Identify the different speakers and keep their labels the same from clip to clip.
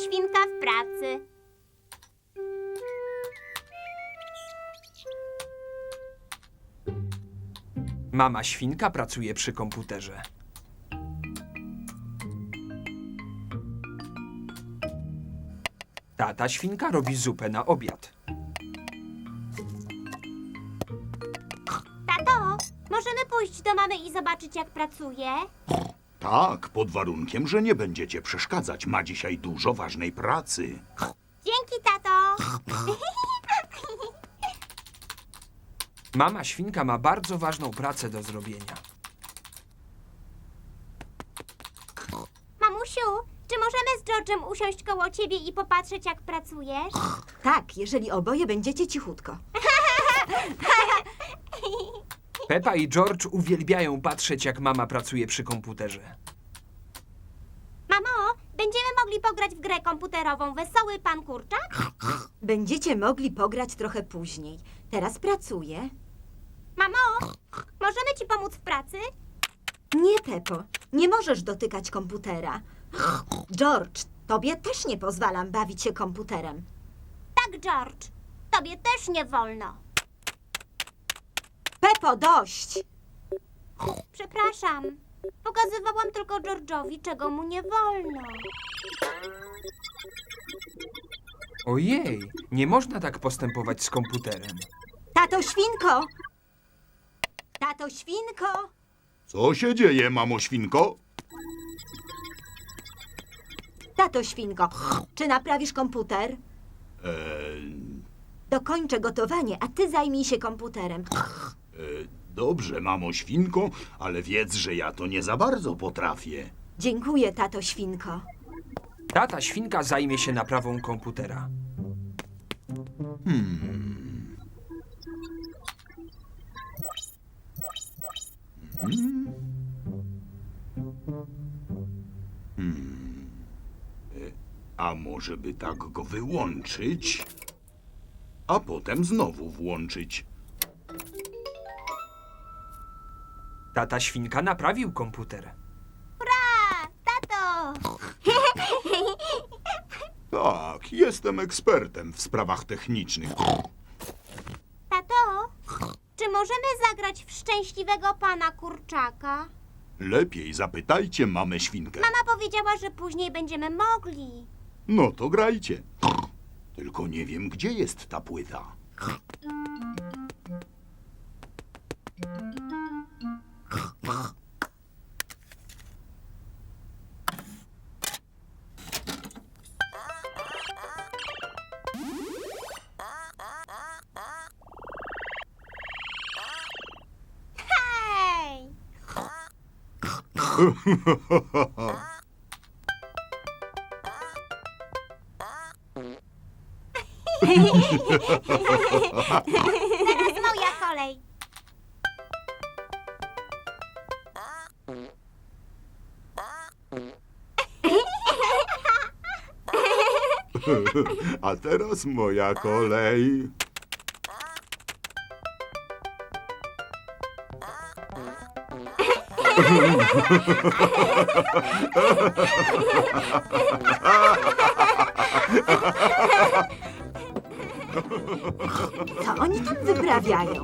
Speaker 1: świnka w pracy.
Speaker 2: Mama świnka pracuje przy komputerze. Tata świnka robi zupę na obiad.
Speaker 1: Tato, możemy pójść do mamy i zobaczyć, jak pracuje?
Speaker 3: Tak, pod warunkiem, że nie będziecie przeszkadzać. Ma dzisiaj dużo ważnej pracy.
Speaker 1: Dzięki, tato.
Speaker 2: Mama świnka ma bardzo ważną pracę do zrobienia.
Speaker 1: Mamusiu, czy możemy z George'em usiąść koło ciebie i popatrzeć, jak pracujesz?
Speaker 4: Tak, jeżeli oboje będziecie cichutko.
Speaker 2: Peppa i George uwielbiają patrzeć, jak mama pracuje przy komputerze.
Speaker 1: Mamo, będziemy mogli pograć w grę komputerową Wesoły Pan Kurczak?
Speaker 4: Będziecie mogli pograć trochę później. Teraz pracuję.
Speaker 1: Mamo, możemy ci pomóc w pracy?
Speaker 4: Nie, Peppo, nie możesz dotykać komputera. George, tobie też nie pozwalam bawić się komputerem.
Speaker 1: Tak, George. Tobie też nie wolno.
Speaker 4: Peppo, dość!
Speaker 1: Przepraszam. Pokazywałam tylko George'owi, czego mu nie wolno.
Speaker 2: Ojej, nie można tak postępować z komputerem.
Speaker 4: Tato świnko! Tato świnko!
Speaker 3: Co się dzieje, mamo świnko?
Speaker 4: Tato świnko, czy naprawisz komputer? Dokończę gotowanie, a ty zajmij się komputerem.
Speaker 3: Dobrze, mamo świnko, ale wiedz, że ja to nie za bardzo potrafię.
Speaker 4: Dziękuję, tato świnko.
Speaker 2: Tata świnka zajmie się naprawą komputera.
Speaker 3: A może by tak go wyłączyć, a potem znowu włączyć?
Speaker 2: Tata świnka naprawił komputer.
Speaker 1: Hurra! Tato!
Speaker 3: Tak, jestem ekspertem w sprawach technicznych.
Speaker 1: Tato, czy możemy zagrać w Szczęśliwego Pana Kurczaka?
Speaker 3: Lepiej zapytajcie mamę świnkę.
Speaker 1: Mama powiedziała, że później będziemy mogli.
Speaker 3: No to grajcie. Tylko nie wiem, gdzie jest ta płyta.
Speaker 1: Hej! Teraz moja kolej.
Speaker 3: A teraz moja kolej.
Speaker 4: Co oni tam wyprawiają?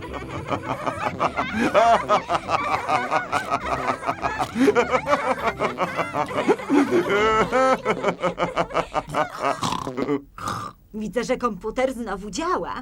Speaker 4: Widzę, że komputer znowu działa.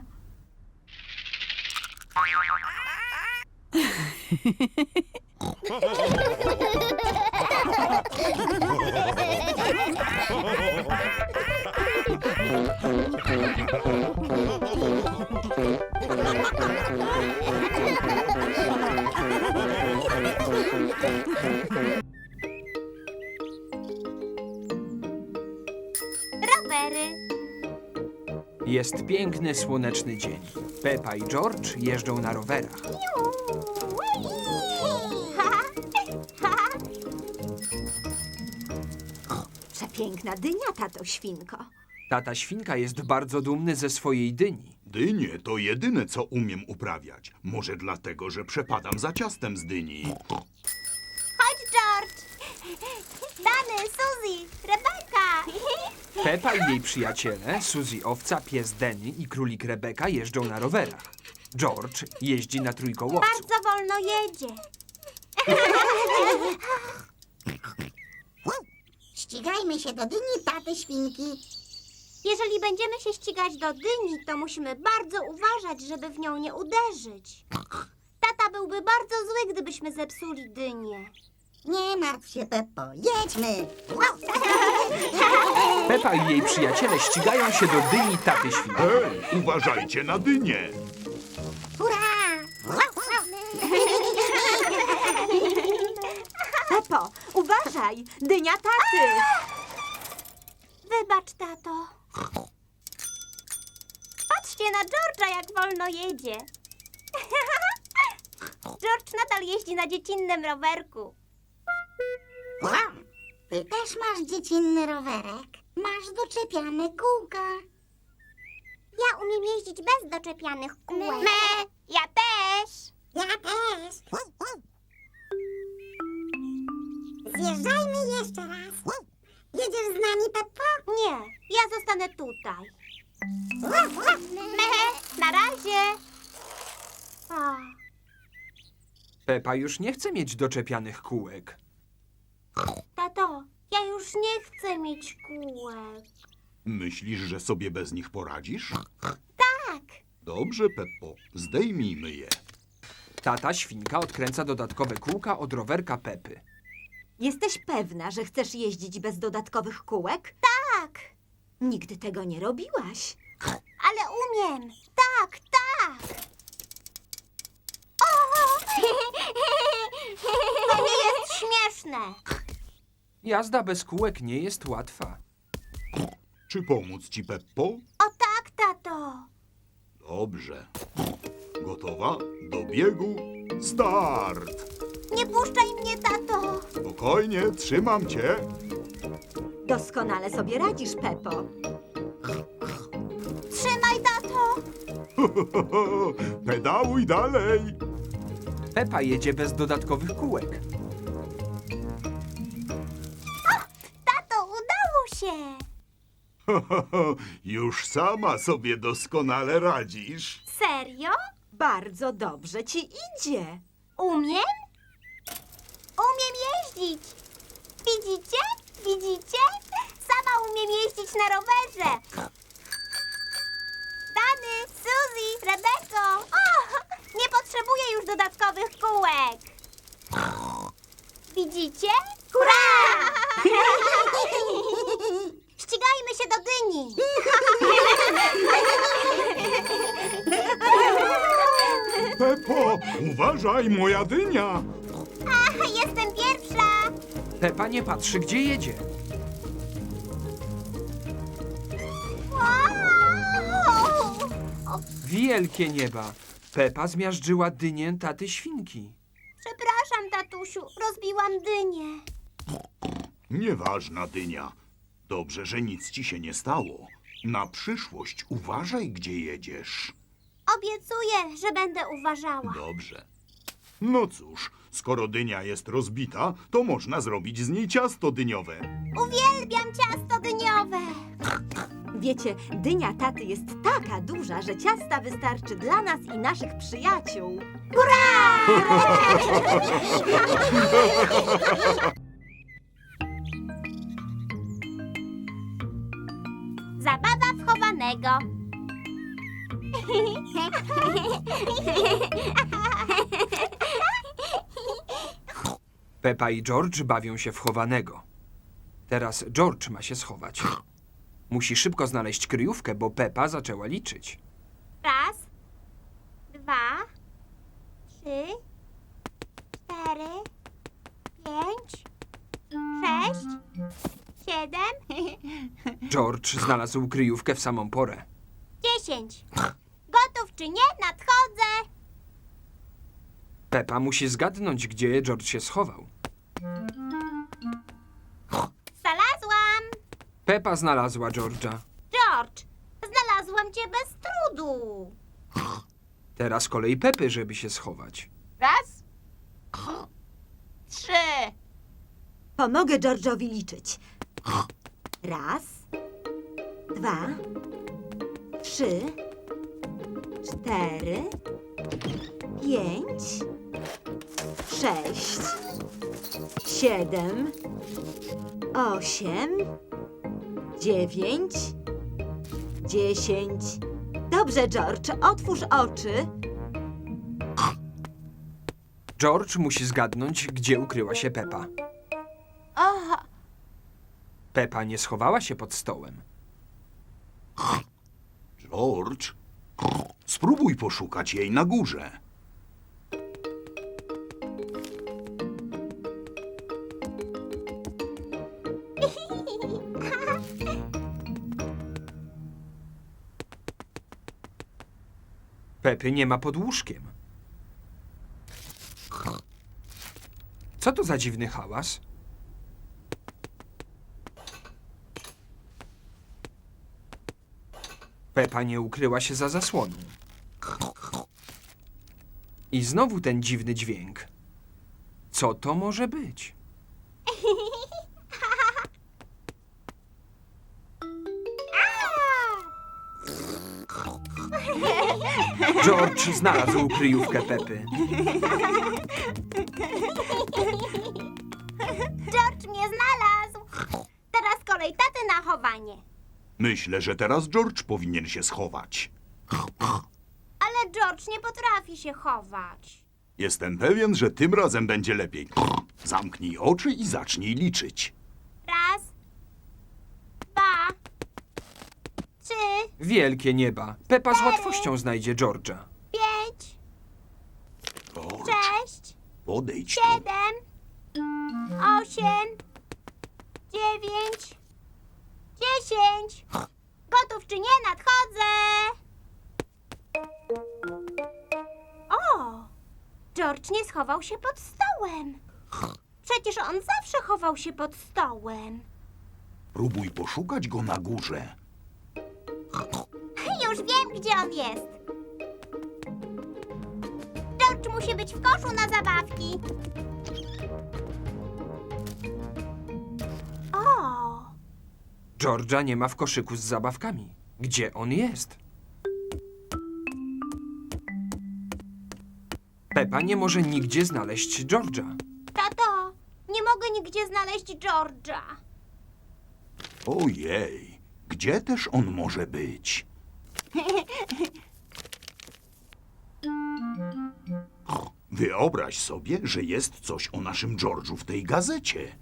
Speaker 1: Rowery.
Speaker 2: Jest piękny, słoneczny dzień. Peppa i George jeżdżą na rowerach.
Speaker 4: Przepiękna dynia, tato świnko.
Speaker 2: Tata świnka jest bardzo dumny ze swojej dyni.
Speaker 3: Dynie to jedyne, co umiem uprawiać. Może dlatego, że przepadam za ciastem z dyni.
Speaker 1: Chodź, George. Dany, Suzy, Rebeka!
Speaker 2: Pepa i jej przyjaciele, Suzy owca, pies Denny i królik Rebeka jeżdżą na rowerach. George jeździ na trójkołowcu.
Speaker 1: Bardzo wolno jedzie.
Speaker 5: Ścigajmy się do dyni taty świnki.
Speaker 1: Jeżeli będziemy się ścigać do dyni, to musimy bardzo uważać, żeby w nią nie uderzyć. Tata byłby bardzo zły, gdybyśmy zepsuli dynię.
Speaker 5: Nie martw się, Peppo, jedźmy.
Speaker 2: Pepa i jej przyjaciele ścigają się do dyni taty świnki.
Speaker 3: Hej, uważajcie na dynię.
Speaker 5: Hurra!
Speaker 4: Pepo, uważaj! Dynia taty!
Speaker 1: Wybacz, tato. Patrzcie na George'a, jak wolno jedzie. George nadal jeździ na dziecinnym rowerku.
Speaker 5: Wow, ty też masz dziecinny rowerek. Masz doczepiane kółka.
Speaker 1: Ja umiem jeździć bez doczepianych kółek. Me, ja też.
Speaker 5: Ja też. Zjeżdżajmy jeszcze raz. Jedziesz z nami, Peppo?
Speaker 1: Nie, ja zostanę tutaj. Me, na razie. O,
Speaker 2: Pepa już nie chce mieć doczepianych kółek.
Speaker 1: tato, ja już nie chcę mieć kółek.
Speaker 3: Myślisz, że sobie bez nich poradzisz?
Speaker 1: Tak.
Speaker 3: Dobrze, Peppo, zdejmijmy je.
Speaker 2: Tata świnka odkręca dodatkowe kółka od rowerka Pepy.
Speaker 4: Jesteś pewna, że chcesz jeździć bez dodatkowych kółek?
Speaker 1: Tak,
Speaker 4: Nigdy tego nie robiłaś.
Speaker 1: ale umiem. Tak, tak. O! To nie jest śmieszne.
Speaker 2: Jazda bez kółek nie jest łatwa.
Speaker 3: Czy pomóc ci, Peppo?
Speaker 1: O tak, tato.
Speaker 3: Dobrze. Gotowa? Do biegu? Start!
Speaker 1: Nie puszczaj mnie, tato.
Speaker 3: Spokojnie, trzymam cię.
Speaker 4: Doskonale sobie radzisz, Pepo.
Speaker 1: Trzymaj, tato.
Speaker 3: Pedałuj dalej.
Speaker 2: Pepa jedzie bez dodatkowych kółek.
Speaker 1: Tato, udało się.
Speaker 3: Już sama sobie doskonale radzisz.
Speaker 1: Serio?
Speaker 4: Bardzo dobrze ci idzie.
Speaker 1: Umiem? Umiem jeździć. Widzicie? Widzicie? Sama umiem jeździć na rowerze. Dany, Suzy, Rebeko. O, nie potrzebuję już dodatkowych kółek. Widzicie? Hurra! Ścigajmy się do dyni.
Speaker 3: Peppo, uważaj, moja dynia.
Speaker 1: Jestem pierwsza.
Speaker 2: Pepa nie patrzy, gdzie jedzie.
Speaker 1: Wow!
Speaker 2: Wielkie nieba. Pepa zmiażdżyła dynię taty świnki.
Speaker 1: Przepraszam, tatusiu, rozbiłam dynię.
Speaker 3: Nieważna dynia. Dobrze, że nic ci się nie stało. Na przyszłość uważaj, gdzie jedziesz.
Speaker 1: Obiecuję, że będę uważała.
Speaker 3: Dobrze. No cóż, skoro dynia jest rozbita, to można zrobić z niej ciasto dyniowe.
Speaker 1: Uwielbiam ciasto dyniowe.
Speaker 4: Wiecie, dynia taty jest taka duża, że ciasta wystarczy dla nas i naszych przyjaciół.
Speaker 1: Zabawa wchowanego.
Speaker 2: Pepa i George bawią się w chowanego. Teraz George ma się schować. Musi szybko znaleźć kryjówkę, bo Pepa zaczęła liczyć.
Speaker 1: Raz, 2, 3, 4, 5, 6, 7,
Speaker 2: George znalazł kryjówkę w samą porę.
Speaker 1: 10. Gotów czy nie? Nadchodzę.
Speaker 2: Pepa musi zgadnąć, gdzie George się schował.
Speaker 1: Znalazłam.
Speaker 2: Pepa znalazła George'a.
Speaker 1: George, znalazłam cię bez trudu.
Speaker 2: Teraz kolej Pepy, żeby się schować.
Speaker 6: Raz, 3,
Speaker 4: Pomogę George'owi liczyć. 1, 2, 3, 4, 5, 6, 7, 8, 9, 10. Dobrze, George, otwórz oczy.
Speaker 2: George musi zgadnąć, gdzie ukryła się Pepa.
Speaker 1: Aha,
Speaker 2: Pepa nie schowała się pod stołem.
Speaker 3: George, spróbuj poszukać jej na górze.
Speaker 2: Pepy nie ma pod łóżkiem. Co to za dziwny hałas? Pepa nie ukryła się za zasłoną. I znowu ten dziwny dźwięk. Co to może być? George znalazł kryjówkę Pepy.
Speaker 1: George mnie znalazł. Teraz kolej taty na chowanie.
Speaker 3: Myślę, że teraz George powinien się schować.
Speaker 1: Ale George nie potrafi się chować.
Speaker 3: Jestem pewien, że tym razem będzie lepiej. Zamknij oczy i zacznij liczyć.
Speaker 1: 1, 2, 3,
Speaker 2: Wielkie nieba. Pepa z łatwością znajdzie George'a.
Speaker 1: 5,
Speaker 3: George,
Speaker 1: 6,
Speaker 3: podejdź tu.
Speaker 1: 7, 8, 9, 10. Gotów czy nie? Nadchodzę. O! George nie schował się pod stołem. Przecież on zawsze chował się pod stołem.
Speaker 3: Próbuj poszukać go na górze.
Speaker 1: Już wiem, gdzie on jest. George musi być w koszu na zabawki. O!
Speaker 2: George'a nie ma w koszyku z zabawkami. Gdzie on jest? Pepa nie może nigdzie znaleźć George'a.
Speaker 1: Tato, nie mogę nigdzie znaleźć George'a.
Speaker 3: Ojej, gdzie też on może być? Wyobraź sobie, że jest coś o naszym George'u w tej gazecie.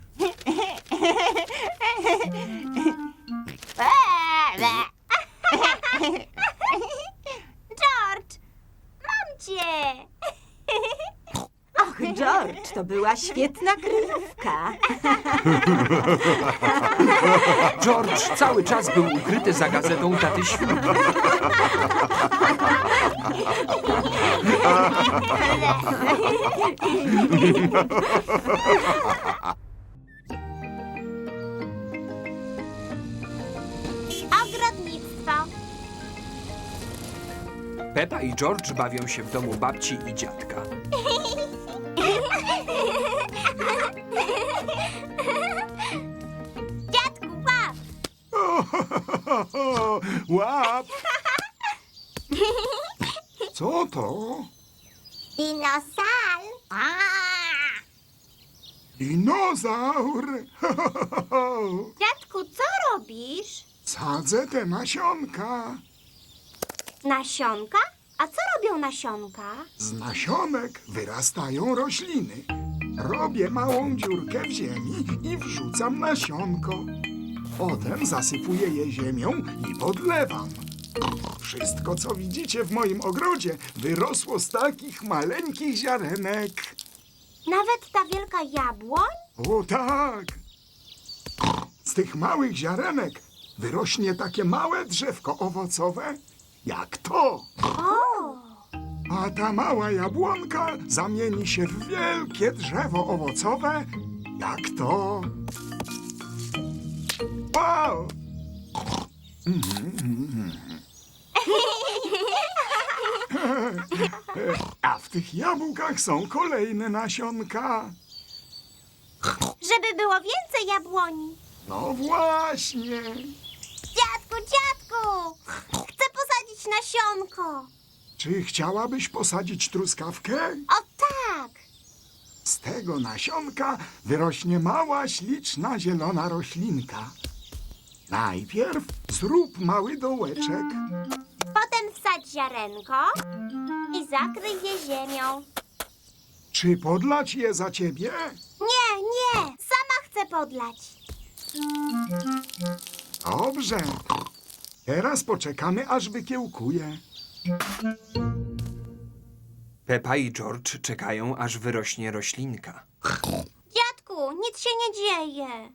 Speaker 1: George, mam cię.
Speaker 4: Och, George, to była świetna kryjówka.
Speaker 2: George cały czas był ukryty za gazetą taty Świnki.
Speaker 1: Ogrodnictwo.
Speaker 2: Pepa i George bawią się w domu babci i dziadka.
Speaker 1: Dziadku, łap.
Speaker 3: Łap! Co to?
Speaker 5: Dinosaur.
Speaker 6: Dinozaur!
Speaker 1: Dziadku, co robisz?
Speaker 6: Sadzę te nasionka.
Speaker 1: Nasionka? A co robią nasionka?
Speaker 6: Z nasionek wyrastają rośliny. Robię małą dziurkę w ziemi i wrzucam nasionko. Potem zasypuję je ziemią i podlewam. Wszystko, co widzicie w moim ogrodzie, wyrosło z takich maleńkich ziarenek.
Speaker 1: Nawet ta wielka jabłoń?
Speaker 6: O tak! Z tych małych ziarenek wyrośnie takie małe drzewko owocowe, jak to.
Speaker 1: O!
Speaker 6: A ta mała jabłonka zamieni się w wielkie drzewo owocowe, jak to. Wow! A w tych jabłkach są kolejne nasionka.
Speaker 1: Żeby było więcej jabłoni.
Speaker 6: No właśnie.
Speaker 1: Dziadku! Chcę posadzić nasionko.
Speaker 6: Czy chciałabyś posadzić truskawkę?
Speaker 1: O tak!
Speaker 6: Z tego nasionka wyrośnie mała, śliczna, zielona roślinka. Najpierw zrób mały dołeczek.
Speaker 1: Potem wsadź ziarenko i zakryj je ziemią.
Speaker 6: Czy podlać je za ciebie?
Speaker 1: Nie, sama chcę podlać.
Speaker 6: Dobrze. Teraz poczekamy, aż wykiełkuje.
Speaker 2: Pepa i George czekają, aż wyrośnie roślinka.
Speaker 1: Dziadku, nic się nie dzieje.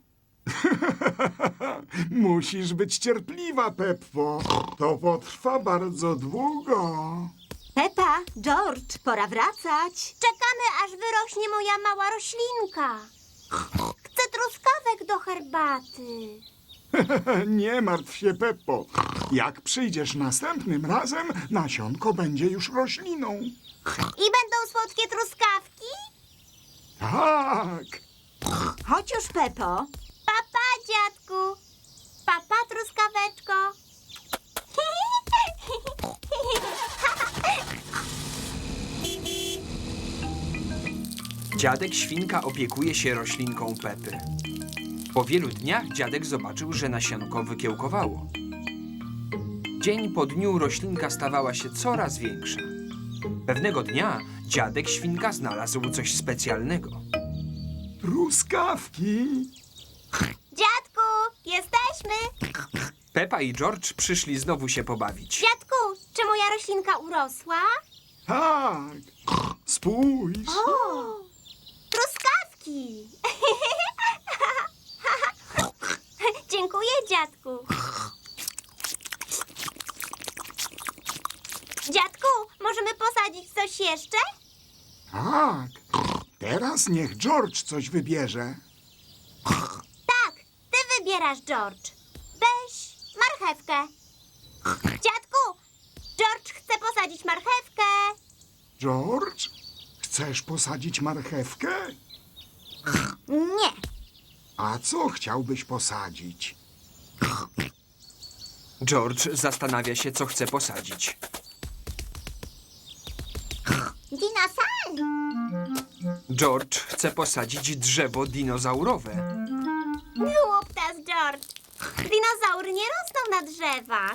Speaker 6: Musisz być cierpliwa, Peppo. To potrwa bardzo długo.
Speaker 4: Pepa, George, pora wracać.
Speaker 1: Czekamy, aż wyrośnie moja mała roślinka. Chcę truskawek do herbaty.
Speaker 6: Nie martw się, Peppo. Jak przyjdziesz następnym razem, nasionko będzie już rośliną.
Speaker 1: I będą słodkie truskawki?
Speaker 6: Tak.
Speaker 4: Chodź już, Pepo.
Speaker 1: Papa, dziadku. Papa, truskaweczko.
Speaker 2: Dziadek Świnka opiekuje się roślinką Pepy. Po wielu dniach dziadek zobaczył, że nasionko wykiełkowało. Dzień po dniu roślinka stawała się coraz większa. Pewnego dnia dziadek Świnka znalazł coś specjalnego.
Speaker 6: Truskawki.
Speaker 1: Dziadku, jesteśmy.
Speaker 2: Pepa i George przyszli znowu się pobawić.
Speaker 1: Dziadku, czy moja roślinka urosła?
Speaker 6: Tak. Spójrz.
Speaker 1: Truskawki. Dziękuję, dziadku. Dziadku, możemy posadzić coś jeszcze?
Speaker 6: Tak. Teraz niech George coś wybierze.
Speaker 1: Tak, ty wybierasz, George. Weź marchewkę. Dziadku, George chce posadzić marchewkę.
Speaker 6: George, chcesz posadzić marchewkę?
Speaker 1: Nie.
Speaker 6: A co chciałbyś posadzić?
Speaker 2: George zastanawia się, co chce posadzić.
Speaker 1: Dinosaur.
Speaker 2: George chce posadzić drzewo dinozaurowe.
Speaker 1: Głuptas, George. Dinozaury nie rosną na drzewach.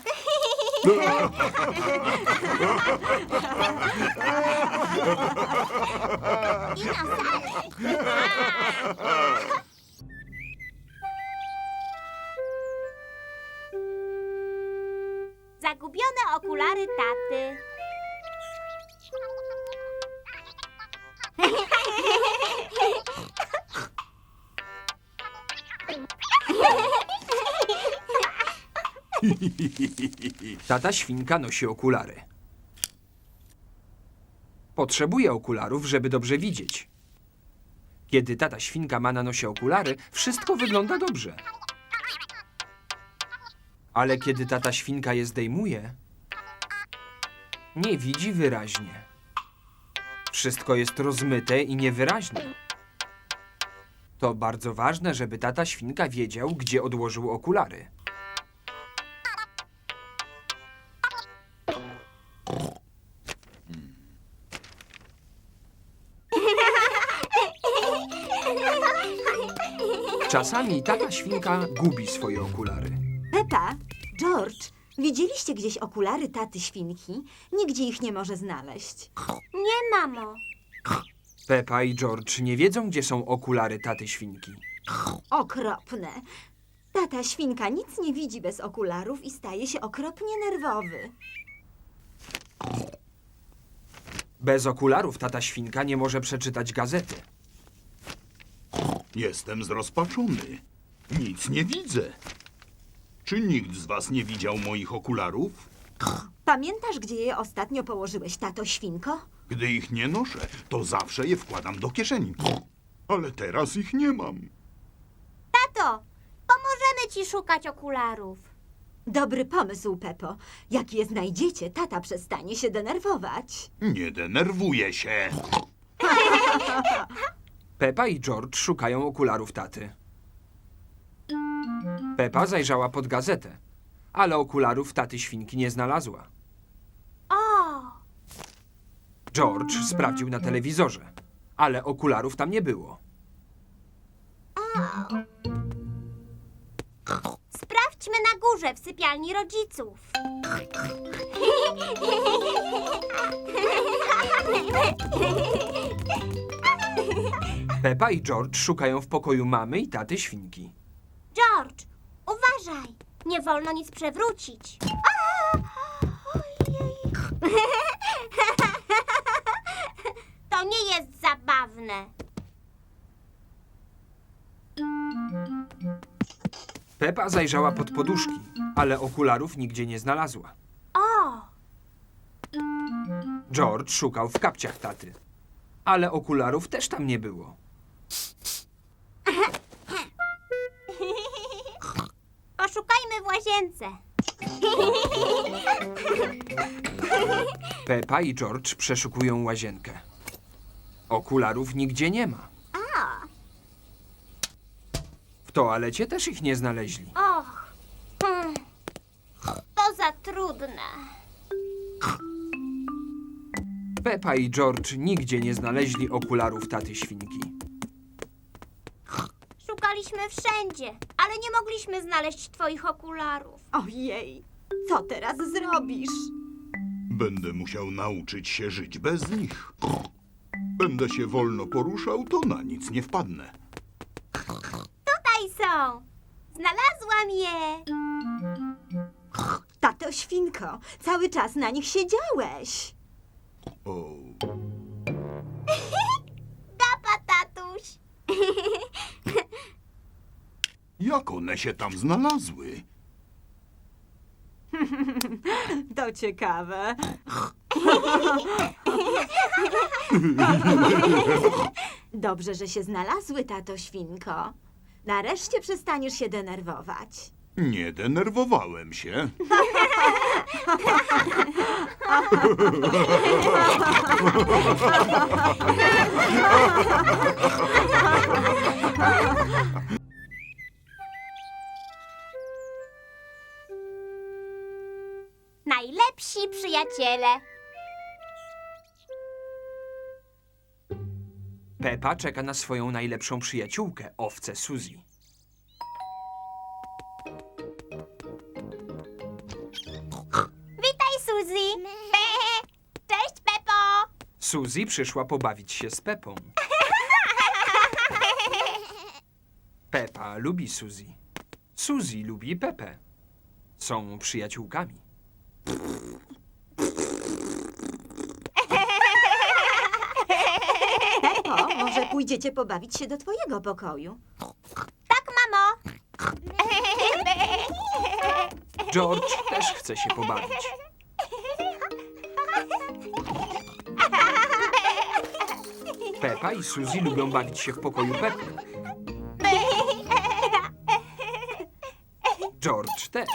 Speaker 1: Zagubione okulary taty.
Speaker 2: Tata Świnka nosi okulary. Potrzebuje okularów, żeby dobrze widzieć. Kiedy tata Świnka ma na nosie okulary, wszystko wygląda dobrze. Ale kiedy tata Świnka je zdejmuje, nie widzi wyraźnie. Wszystko jest rozmyte i niewyraźne. To bardzo ważne, żeby tata Świnka wiedział, gdzie odłożył okulary. Czasami tata Świnka gubi swoje okulary.
Speaker 4: Pepa, George, widzieliście gdzieś okulary taty Świnki? Nigdzie ich nie może znaleźć.
Speaker 1: Nie, mamo.
Speaker 2: Pepa i George nie wiedzą, gdzie są okulary taty Świnki.
Speaker 4: Okropne. Tata Świnka nic nie widzi bez okularów i staje się okropnie nerwowy.
Speaker 2: Bez okularów tata Świnka nie może przeczytać gazety.
Speaker 3: Jestem zrozpaczony. Nic nie widzę. Czy nikt z was nie widział moich okularów?
Speaker 4: Pamiętasz, gdzie je ostatnio położyłeś, tato Świnko?
Speaker 3: Gdy ich nie noszę, to zawsze je wkładam do kieszeni. Ale teraz ich nie mam.
Speaker 1: Tato, pomożemy ci szukać okularów.
Speaker 4: Dobry pomysł, Pepo. Jak je znajdziecie, tata przestanie się denerwować.
Speaker 3: Nie denerwuję się.
Speaker 2: Pepa i George szukają okularów taty. Pepa zajrzała pod gazetę, ale okularów taty świnki nie znalazła.
Speaker 1: O!
Speaker 2: George sprawdził na telewizorze, ale okularów tam nie było.
Speaker 1: Sprawdźmy na górze w sypialni rodziców.
Speaker 2: Pepa i George szukają w pokoju mamy i taty świnki.
Speaker 1: George, uważaj! Nie wolno nic przewrócić. Ojej. To nie jest zabawne.
Speaker 2: Pepa zajrzała pod poduszki, ale okularów nigdzie nie znalazła.
Speaker 1: O!
Speaker 2: George szukał w kapciach taty, ale okularów też tam nie było.
Speaker 1: Poszukajmy w łazience.
Speaker 2: Pepa i George przeszukują łazienkę. Okularów nigdzie nie ma. W toalecie też ich nie znaleźli.
Speaker 1: Och, to za trudne.
Speaker 2: Pepa i George nigdzie nie znaleźli okularów taty świnki.
Speaker 1: Szukaliśmy wszędzie, ale nie mogliśmy znaleźć twoich okularów.
Speaker 4: Ojej, co teraz zrobisz?
Speaker 3: Będę musiał nauczyć się żyć bez nich. Będę się wolno poruszał, to na nic nie wpadnę.
Speaker 1: Tutaj są. Znalazłam je.
Speaker 4: Tato świnko, cały czas na nich siedziałeś.
Speaker 3: O,
Speaker 1: Gapa, tatuś.
Speaker 3: jak one się tam znalazły?
Speaker 4: To ciekawe. Dobrze, że się znalazły, tato świnko. Nareszcie przestaniesz się denerwować.
Speaker 3: Nie denerwowałem się.
Speaker 1: Najlepsi przyjaciele.
Speaker 2: Pepa czeka na swoją najlepszą przyjaciółkę, owcę Suzy.
Speaker 1: Witaj, Suzy. Cześć, Pepo.
Speaker 2: Suzy przyszła pobawić się z Pepą. Pepa lubi Suzy. Suzy lubi Pepę. Są przyjaciółkami.
Speaker 4: Pepo, może pójdziecie pobawić się do twojego pokoju?
Speaker 1: Tak, mamo.
Speaker 2: George też chce się pobawić. Pepa i Suzy lubią bawić się w pokoju Pepy. George też.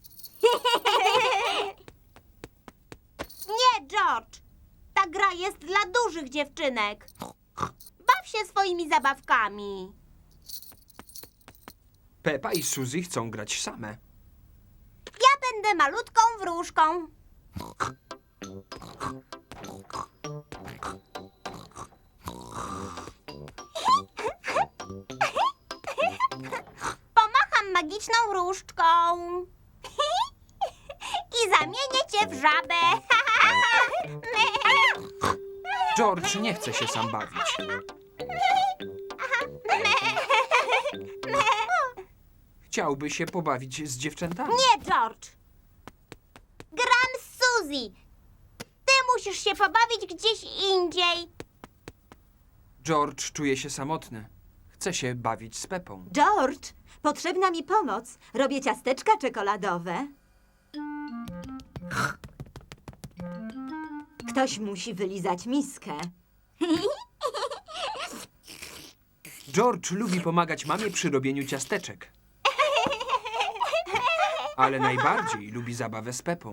Speaker 1: Nie, George. Ta gra jest dla dużych dziewczynek. Baw się swoimi zabawkami.
Speaker 2: Pepa i Suzy chcą grać same.
Speaker 1: Ja będę malutką wróżką. Pomacham magiczną różdżką. I zamienię cię w żabę.
Speaker 2: George nie chce się sam bawić. Chciałby się pobawić z dziewczętami.
Speaker 1: Nie, George. Gram z Suzy. Ty musisz się pobawić gdzieś indziej.
Speaker 2: George czuje się samotny. Chce się bawić z Pepą.
Speaker 4: George, potrzebna mi pomoc. Robię ciasteczka czekoladowe. Ktoś musi wylizać miskę.
Speaker 2: George lubi pomagać mamie przy robieniu ciasteczek. Ale najbardziej lubi zabawę z Pepą.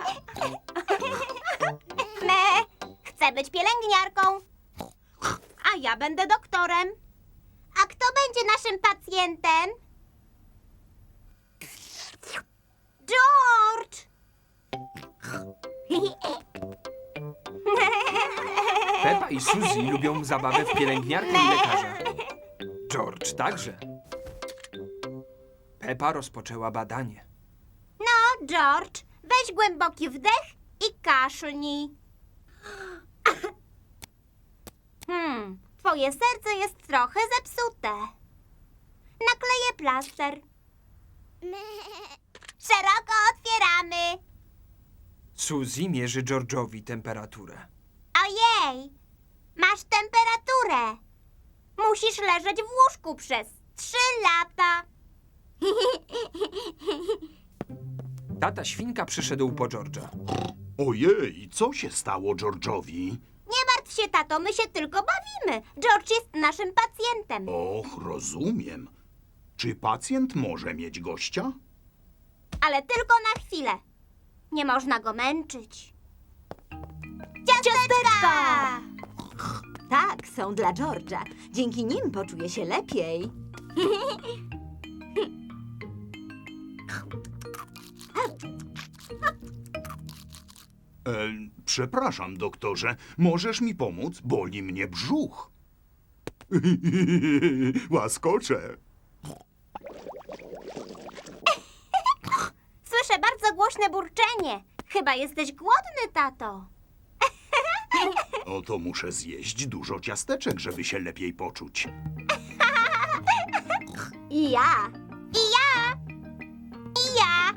Speaker 1: Chcę być pielęgniarką. A ja będę doktorem. A kto będzie naszym pacjentem? George!
Speaker 2: Pepa i Suzy lubią zabawę w pielęgniarkę i lekarza. George także. Pepa rozpoczęła badanie.
Speaker 1: No, George, weź głęboki wdech i kaszlnij. Twoje serce jest trochę zepsute. Nakleję plaster. Szeroko otwieramy.
Speaker 2: Suzy mierzy George'owi temperaturę.
Speaker 1: Ojej, masz temperaturę. Musisz leżeć w łóżku przez 3 lata.
Speaker 2: Tata świnka przyszedł po George'a.
Speaker 3: Ojej, co się stało George'owi?
Speaker 1: Nie martw się, tato, my się tylko bawimy. George jest naszym pacjentem.
Speaker 3: Och, rozumiem. Czy pacjent może mieć gościa?
Speaker 1: Ale tylko na chwilę. Nie można go męczyć. Ciasteczka!
Speaker 4: Tak, są dla George'a. Dzięki nim poczuje się lepiej.
Speaker 3: Przepraszam, doktorze, możesz mi pomóc? Boli mnie brzuch. Łaskocze.
Speaker 1: Słyszę bardzo głośne burczenie. Chyba jesteś głodny, tato.
Speaker 3: Oto muszę zjeść dużo ciasteczek, żeby się lepiej poczuć.
Speaker 4: I ja.
Speaker 1: I ja! I ja!